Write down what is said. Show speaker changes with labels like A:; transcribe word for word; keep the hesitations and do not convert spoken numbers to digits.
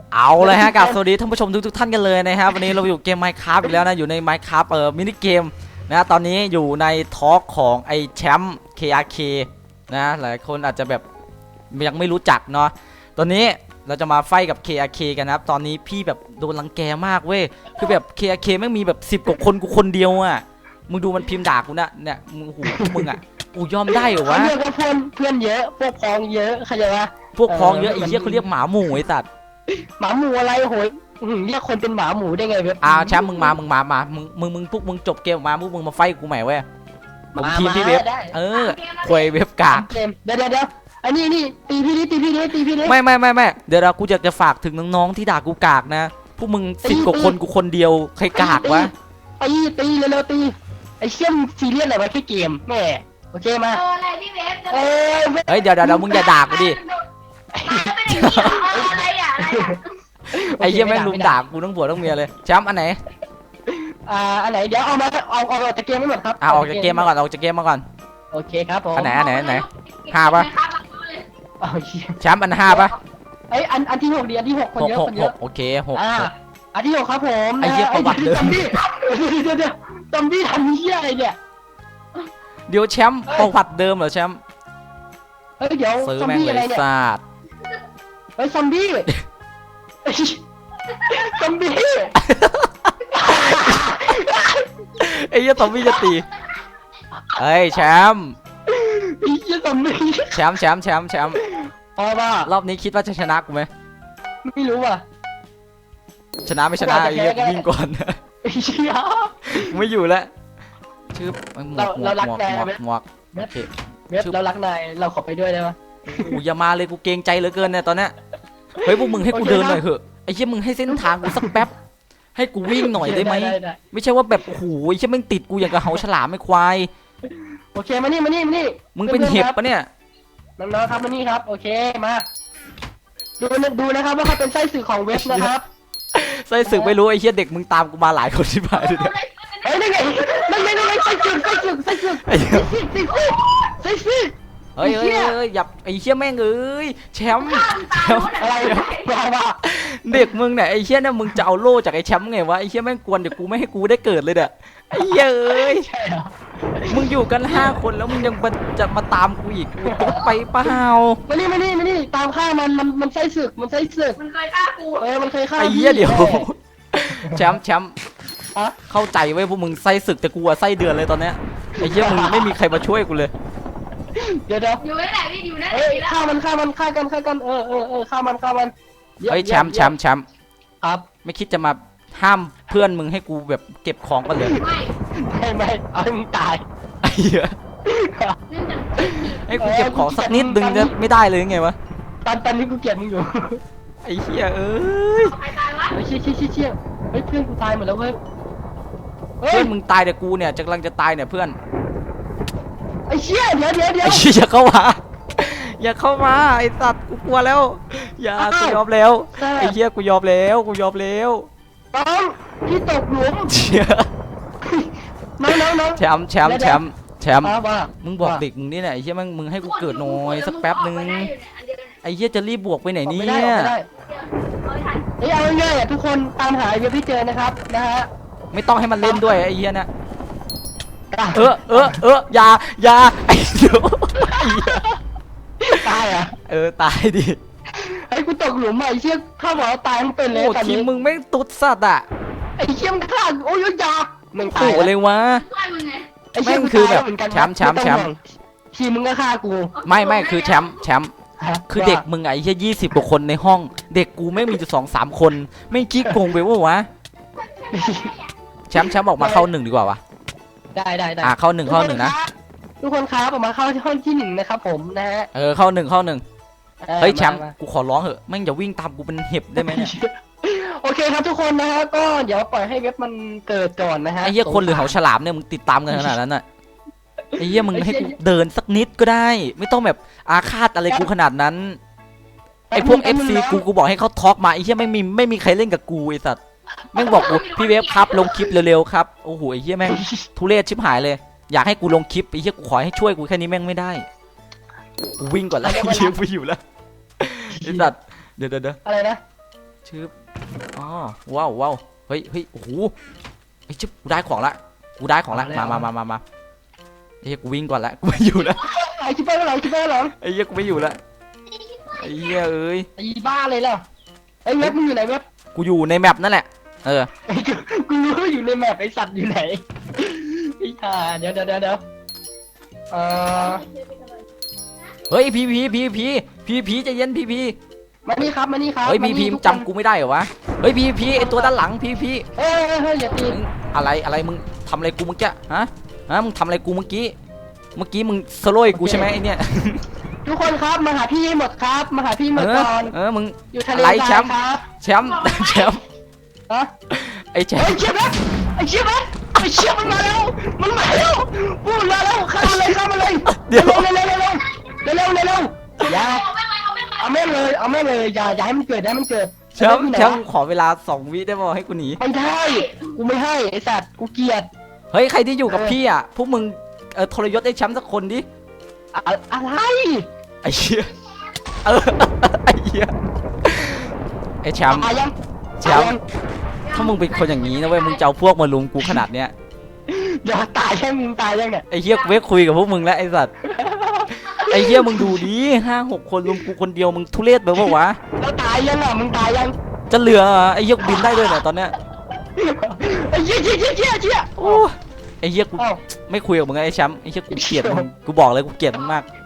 A: เอาเลยฮะกับสวัสดีท่านผู้ชมทุกๆท่านกันเลยนะครับวันนี้เราอยู่เกม Minecraft อีกแล้วนะอยู่ใน Minecraft เอ่อมินิเกมนะตอนนี้อยู่ในทอล์กของไอแชมป์ เค อาร์ เค นะหลายคนอาจจะแบบยังไม่รู้จักเนาะตอนนี้เราจะมาไฟกับ เค อาร์ เค กันนะครับตอนนี้พี่แบบโดนรังแกมากเว้ยคือแบบ เค อาร์ เค แม่งมีแบบสิบกว่าคนกูคนเดียวอ่ะมึงดูมันพิมพ์ด่ากูนะเนี่ยมึงหูมึงอ่ะกูยอมได้เหรอวะ
B: เพื่อนก็เพื่อนเพื่อนเยอะพวกพ้องเยอะเข้าใจปะ
A: พวกพ้องเยอะไอ้เหี้ยเขาเรียกหมาหมูไอ้สัตว์
B: หมาหมูอะไรโหยอื้อหือเรียกคนเป็นหมาหมูได้ไงเว็บ
A: อ่าแชมป์มึงมามึงมามามึงมึงมึงพวกมึงจบเกมมาพวกมึงมาไฟกูใหม่เว้ยผมทีมพี่เว็บเออควยเว็บกาก
B: เกมเดี๋ยวเดี๋ยวเดี๋ยวอันนี้นี่ตีพี่ดิตีพี่ดิตีพี่ดิ
A: ไม่ไม่ไม่ไม่เดี๋ยวเรากูอยากจะฝากถึงน้องๆที่ด่ากูกากนะพวกมึงสิบกว่าคนกูคนเดียวใครกากวะ
B: ตีตีเร็วๆตีไอ้เชี่ยมซีเรียสอะไรวะแค่เกมแม่โอเคมา
C: เอออะไรพี่เวฟจะ
B: เอ้ยเว้ย
A: เฮ้ยเดี๋ยวเดี๋ยวเดี๋ยวมึงอย่าด่ากูดิ
C: ไม่ได้เกี่ยวเอาอะไรอ่ะอะไรอ่ะ
A: ไอ้เหี้ยแม่งลุมด่ากูทั้งผัวทั้งเมียเลยแชมป์อันไหน
B: อ่าอันไหนเดี๋ยวเอามาเอาเอาออกจากเกมไม่หมดครับ
A: อ่าออกจากเกมมาก่อนออกจากเกมมาก่อน
B: โอเคครับผม
A: อันไหนอันไหนอันไหนห้าปะ
B: เอาเชี่ย
A: แชมป์อันห้าปะ
B: ไอ้ยอันอันที่หกดีอันที่หกคน
A: หก
B: เยอะ
A: หก
B: คนเย
A: ห
B: อะ
A: กโอเคหก
B: อ่าอันที่หกครับผม
A: ไอ้เหี้ยประวัติเดิม
B: ซอมบี้เดี๋ยวเดี๋ยวซอมบี้ทำเหี้ยอะไรเนี่ย
A: เดี๋ยวแชมป์ประวัติเดิมเหรอแชมป์
B: เฮ้ยเดี๋ยว
A: ซื้อ
B: ซอม
A: แม่ง
B: บี้
A: เล
B: อะไร
A: ย
B: เนี่ย
A: ซาด
B: เฮ้ยซอมบี้เฮ้ยซอมบี้
A: ไอ้เหี้ยตอมบี้จะตีเฮ้ยแชมป์
B: ไอ้เหี้ยซอมบี้
A: แชมป์แชมป์แชมป์แชมป์
B: พอป่ะ
A: รอบนี้คิดว่าจะชนะกูไหม
B: ไม่รู้ว่ะ
A: ชนะไม่ชนะไอ้เหี้ยกูวิ่งก่อน
B: ไอ้เชี่ย
A: กูไม่อยู่แล้วชื่อหมวกหมว
B: เรา
A: ก
B: รัก
A: หมวก
B: แก
A: หมวก
B: ไหม
A: หมวกโอเค
B: เว็บเรารักนายเราขอไปด้วยได้ปะ
A: กูอย่ามาเลยกูเกรงใจเหลือเกินเนี่ยตอนเนี้ยเฮ้ยพวกมึงให้กู
B: โอเค
A: เดิน
B: นะ
A: หน่อยเถอะไอ้เหี้ยมึงให้เส้นทางกูสักแป๊บให้กูวิ่งหน่อยได้ไหม
B: ได้ได้
A: ไม่ใช่ว่าแบบโอ้โหไอ้เหี้ยแม่งติดกูอย่างกับเหาฉลามไม่ควาย
B: โอเคมานี่มานี่มานี่
A: มึงเป็นเห็บปะเนี่ย
B: น้องๆครับมานี่ครับโอเคมาดูนะดูนะครับว่าเขาเป็นไส้สื่อของเว็บนะครับ
A: ไส้ศึกไม่รู้ไอ้เหี้ยเด็กมึงตามกูมาหลายคนที่ผ่านเลยเนี่ย
B: เฮ้ยนั่นไงนั่นไงนั่นไงไส้สื่อไส้สื่อไส้สื่อ
A: ไอ้เหี้ย
B: ไส้สื่อไส้สื่อ
A: เฮ้ย
B: ไอ้
A: เฮ้
B: เหี้
A: ย
B: ย
A: เฮ้ยอย่าไอ้เหี้ยแม่งเอ้ยแชมป์แชมป์
B: อะไรมาว่า
A: เด็กมึงเนี่ยไอ้เหี้ยเนี่ยมึงจะเอาโล่จากไอ้แชมป์ไงวะไอ้เหี้ยแม่งกวนเดี๋ยวกูไม่ให้กูได้เกิดเลยเด้อไอ้เหี้ยเอ้ย
B: ใช่เหรอ
A: มึงอยู่กันห้าคนแล้วมึงยังมาจะมาตามกูอีกกูตุ๊ดไปเปล่า
B: มานี่มานี่มานี่ตามข้ามันมันมันไส้ศึกมันไส้ศึก
C: มันเคยฆ่ากู
B: เออมันเคยฆ่า
A: ไอ้เหี้ย
B: พี่
A: เดี๋ยว
B: แม่
A: แชมป์แชมป์
B: ฮะ
A: เข้าใจไว้ยพวกมึงไส้ศึกแต่กูอะไส้เดือนเลยตอนเนี้ยไอ้เหี้ยมึงไม่มีใครมาช่วยกูเลย
B: เดี๋ยวเดี๋ยว
C: อยู่นั่นแหละพี่อยู่นั่นแห
B: เอ้
C: ละ
B: ยฆ่ามันฆ่ามันฆ่ากันฆ่ากันเออเออเออฆ่ามันฆ่ามัน
A: เฮ้ยแชมป์แชมป์แชมป์
B: ครับ
A: ไม่คิดจะมาห้ามเพื่อนมึงให้กูแบบเก็บของกันเลย
C: ไม่
B: ไม่ไม่เอาให้มึงตาย
A: ไอ้เหี้ย
C: เนื่องจาก
A: ให้กูเก็บของสักนิดนึงจะไม่ได้เลยไงวะ
B: ตอนตอนนี้กูเกลียดมึงอยู่
A: ไอ้เหี้ยเอ้ย
C: ใครตายวะ
B: เฮ้ยเชี่ยเชี่ยเชี่ยเชี่ยเฮ้ยเพื่อนกูตายหมดแล้วเว้ยเฮ้
A: เพื่อย นมึงตายแต่กูเนี่ยจะกำลังจะตายเนี่ยเพื่อน
B: ไอ้เชี่ยเดี๋ยวเดี๋ยวเดี๋ยว
A: ไอ้เหี้ยอย่าเข้ามาอย่าเข้ามาไอ้สัตว์กูกลัวแล้วอย่ากูยอมแล้วไอ้เหี้ยกูยอมแล้วกูยอมแล้ว
B: น้องพี่ตกหลุม
A: เชี่ย
B: น้องน้องน้อง
A: แชมป์แชมป์แชมป์แชมป์
B: มาว่า
A: มึงบอกเด็กมึงนี่แหละไอ้เหี้ยมึงมึงให้กูเกิดหน่อยสักแป๊บนึงไอ้เหี้ยจะรีบบวกไปไหน
B: ออก
A: เนี่
B: ไม่ได้ออก
A: ย
B: ไม่ได้เฮ้ยเอาง่ายๆอ่ะทุกคนตามหาไอ้เว็บที่เจอนะครับนะฮะ
A: ไม่ต้องให้มันเล่นด้วยไอ้เหี้ยนะเออเออเอออย่าอย่าไอ้เดี๋ยวไอ้เหี้ย
B: ตายอ่ะ
A: เออตายดิ
B: ไอ้กูตกหลุมอ่ะไอ้เชี่ยข้าบอกว่าตายทั้งเป็นเลย
A: โอ้
B: ตอน
A: ที
B: นี้
A: มมึงไม่ตุ๊ดสัตว์อ่ะ
B: ไอ้เชี่ยมนฆ่าโอ้ยยามึงตา
A: โอ้
B: ย
A: โหเลยวะ
C: ช่วยมึงไง
B: ไอ้เชี่ย
A: แม่งคือแบบ
B: ตายล้วเหมือนกัน
A: แชมป์แชมป์
B: ไต้อง
A: แชมป์
B: ห่วงทีมมึงก็ฆ่ากู
A: ไม่ไม่คือแชมป์แชมป์
B: ฮะ
A: คือเด็กมึงไอ้เหี้ยยี่สิบกว่าคนในห้อง เด็กกูไม่มีอยู่สองสามคนไม่จี้โกงไปวะวะแชมป์แชมป์ออกมาเข้าหนึ่งดีกว่าวะ
B: ได้ได้ได้
A: อ่ะเข้าหนึ่งเข้าหนึ่งนะ
B: ทุกคนครับออกมาเข้าที่ห้องที่หนึ่งนะครับผมนะฮะ
A: เออเข้าหนึ่งเข้าหนึ่ง
B: ออ
A: เฮ้ยแชมป์
B: าา
A: กูขอร้องเหอะแม่งอย่าวิ่งตามกูเป็นเห็บได้ไหมเนี่ย
B: โอเคครับทุกคนนะฮะก็เดี๋ยวปล่อยให้เว็บมันเกิดก่อนนะฮะ
A: ไอ้เหี้ยคนหรือเหาฉลามเนี่ยมึงติดตามกันขนาดนั้นน่ะไอ้เหี้ยมึงให้กูเดินสักนิดก็ได้ ไม่ต้องแบบอาฆาตอะไรกูขนาดนั้นไอ้พวก เอฟ ซี กูกูบอกให้เขาทอล์กมาไอ้เหี้ยไม่มีไม่มีใครเล่นกับกูไอ้สัตว์แม่งบอกกูพี่เวฟครับลงคลิปเร็วๆครับโอ้โหไอ้เหี้ยแม่งทุเรศชิบหายเลยอยากให้กูลงคลิปไอ้เหี้ยกูขอให้ช่วยกูแค่นี้แม่งไม่ได้กูวิ่งก่อนแล้วเหี้ยไปอยู่แล้วไอ้สัตว์เดี๋ยวเดี๋ยวเดี๋ยว
B: อะไรนะ
A: แชชืบอ๋อว้าวว้าวเฮ้ยเฮ้ยโอ้โหไอ้ยชิบกูได้ของละกูได้ของละมามามามามาไอ้เหี้ยกูวิ่งก่อนละกูไม่อยู่ละ
B: ไอ้ชิบไปหลังชิบไปหลัง
A: ไอ้เหี้ยกูไม่อยู่ละไอ้เหี้ยเอ้ย
B: ไอ้บ้าเลยล่ะไอ้เว็บมึงอยู่ไหนเว็บ
A: กูอยู่ในแมปนั่นแหละเออ
B: ไอ้กูกูรู้ว่าอยู่ในแมปไอ้สัตว์อยู่ไหนไอ้ห่าเดี๋ยวเดี๋ยวเดี๋ยวเดี๋ยวเอ่อ
A: เฮ้ยพีพีพีพีพีพีใจเย็นพีพี
B: มานี่ครับมานี่ครับ
A: เฮ้ยพีพี
B: านี่
A: จำกูไม่ได้เหรอวะเฮ้ยพีพีไอตัวด้านหลังพีพี
B: เฮ้ยเฮ้ยเฮ้ยอย่าตี
A: อะไรอะไรมึงทำอะไรกูเมื่อกี้ฮะฮะมึงทำอะไรกูเมื่อกี้เมื่อกี้มึงสโลยกูใช่ไหมไอเนี่ย
B: ทุกคนครับมาหาพี่ให้หมดครับมาหาพี่หม
A: เอ
B: ด
A: อ
B: ก่อน
A: เออมึง
B: อยู่ทะเล
A: อะไรแช
B: ทราย
A: มป์
B: ครับ
A: แชมป์แชมป์
B: ฮะ
A: ไอแชม
B: ไอ้
A: ป์
B: เชี่ยแบ๊ไอ้เชี่ยแบ๊ไอ้เชี่ยมันมาแล้วมันมาแล้วพูดมาแล้วข้ามมาเลยข้ามมาเลย
A: เดี๋ยว
B: เร็วเร็วเร็วเร็วเร็วเร็วเร็วเร็วอย่า
C: เอาไม่ไหวเอาไม่ไหว
B: เอาแม่งเลยเอาแม่งเลยอย่าอย่าให้มันเกิดอย่าให้มันเกิด
A: แชมป์แชมป์ขอเวลาสองวิได้ป่ะให้กูหนี
B: ไม่ได้กูไม่ให้ไอ้สัตว์กูเกลียด
A: เฮ้ยใครที่อยู่กับพี่อ่ะพวกมึงเออทรยศไอ้แชมป์สักคนดิ
B: อะอะไร
A: ไอ้เหี้ยเออไอ้เหี้ยไอ้แชมป์
B: ตายยัง
A: แชมป์ ถ้ามึงเป็นคนอย่างนี้นะเว้ยมึงจะเอาพวกมาลุมกูขนาดเนี้ย
B: เดี๋ยวตายยังมึงตายยังเนี่ย
A: ไอ้เหี้ยกูไม่คุยกับพวกมึงแล้วไอ้สัตว์ไอ้เหี้ยมึงดูดิห้าหกคนลุมกูคนเดียวมึงทุเรศไปปะวะ
B: แล้วตายยังอ่ะมึงตายยัง
A: จะเหลือเหรอไอ้เหี้ยกูบินได้ด้วยเนี่ยตอนเนี้ย
B: ไอ้เชี่ยเชี่ยเชี่ยเชี่ยเชี่ย
A: โอ้ไอ้เหี้ยกู
B: เอ้า
A: ไม่คุยกับมึงแล้วไอ้แชมป์ไอ้เหี้ยกูเกลียดมึงกูบอกเลยกูเกลียดมึงมาก